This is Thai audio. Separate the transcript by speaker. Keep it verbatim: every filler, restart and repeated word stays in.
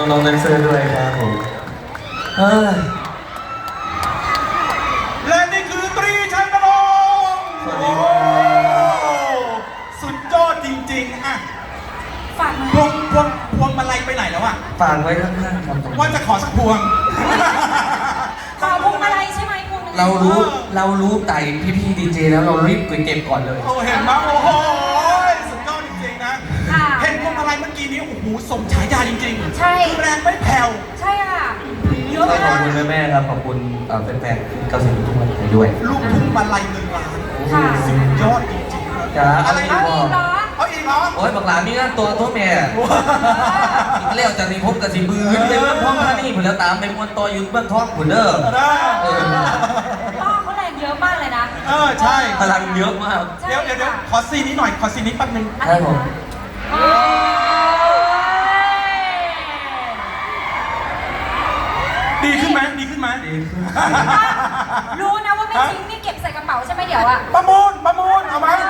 Speaker 1: น้องๆแดนเซอร์ด้วยครับผมเอ้ย
Speaker 2: และนี่คือตรีชัยนรงค์
Speaker 1: สวัสดีครับ
Speaker 2: สุดยอดจริงๆอ่ะ
Speaker 3: ฝากมา
Speaker 2: พวงพวงพวงมาลัยไปไหนแล้วอ่ะ
Speaker 1: ฝากไว้ข้างๆครับผม
Speaker 2: ว่าจะขอสักพวง
Speaker 3: ขอพวงมาลัยใช่ไหมพวงมาลัย
Speaker 1: เรารู้เรารู้ไต่พี่ๆดีเจแล้วเรารีบไปเก็บก่อนเลย
Speaker 2: โอ้เห็นมั้ยโอ้โหสุดยอดจริงๆนะ
Speaker 3: ค่ะ
Speaker 2: เห็นพวงมาลัยเมื่อกี้นี้โอ้โหสมฉายาจริงๆ
Speaker 3: ใช่
Speaker 2: แรงไม่แผ่ว
Speaker 3: ใช่ค่ะเยอะ
Speaker 1: ขอบ
Speaker 3: มาก
Speaker 1: คุณแม่ๆครับขอบคุณเอ่อแฟนๆเกาหลีทุกคนด้วย
Speaker 2: ลูกทุ่งมาลัยเงินล้าน
Speaker 3: ค่ะ
Speaker 2: สุดยอดจริงๆ
Speaker 1: จ้า
Speaker 2: อะไร
Speaker 3: เอา
Speaker 2: นะ
Speaker 3: อีกเหรอ
Speaker 2: เอาอีกเหรอ
Speaker 1: โอ้ยบักหลานมีงานตัวตัวแม่อีกแล้วจากนี้พบกับสิบือเต็มเมืองท้องท่านี่ผุนแล้วตามไปมวนต่ออยู่เบื้องท้องผุนเด้อ
Speaker 2: ได้
Speaker 1: เออ
Speaker 3: พ่อเขาแรงเยอะมากเลยนะ
Speaker 2: เออใช่
Speaker 1: พลังเยอะมาก
Speaker 3: ใช่
Speaker 2: เดี๋ยวเดี๋ยวเดี๋ยวขอซีนนี้หน่อยขอซีนนี้แป๊บนึง
Speaker 3: อะไร
Speaker 1: ครับผม
Speaker 3: นะโอ้ย
Speaker 2: ดีขึ้นไหมดีขึ้นไหม
Speaker 1: ดีขึ้น
Speaker 3: รู้นะว่าไม่ทิ้งนี่เก็บใส่กระเป๋าใช่ไหมเดี๋ยวอะ
Speaker 2: ประมูลประมูลเอาไหม
Speaker 3: เอ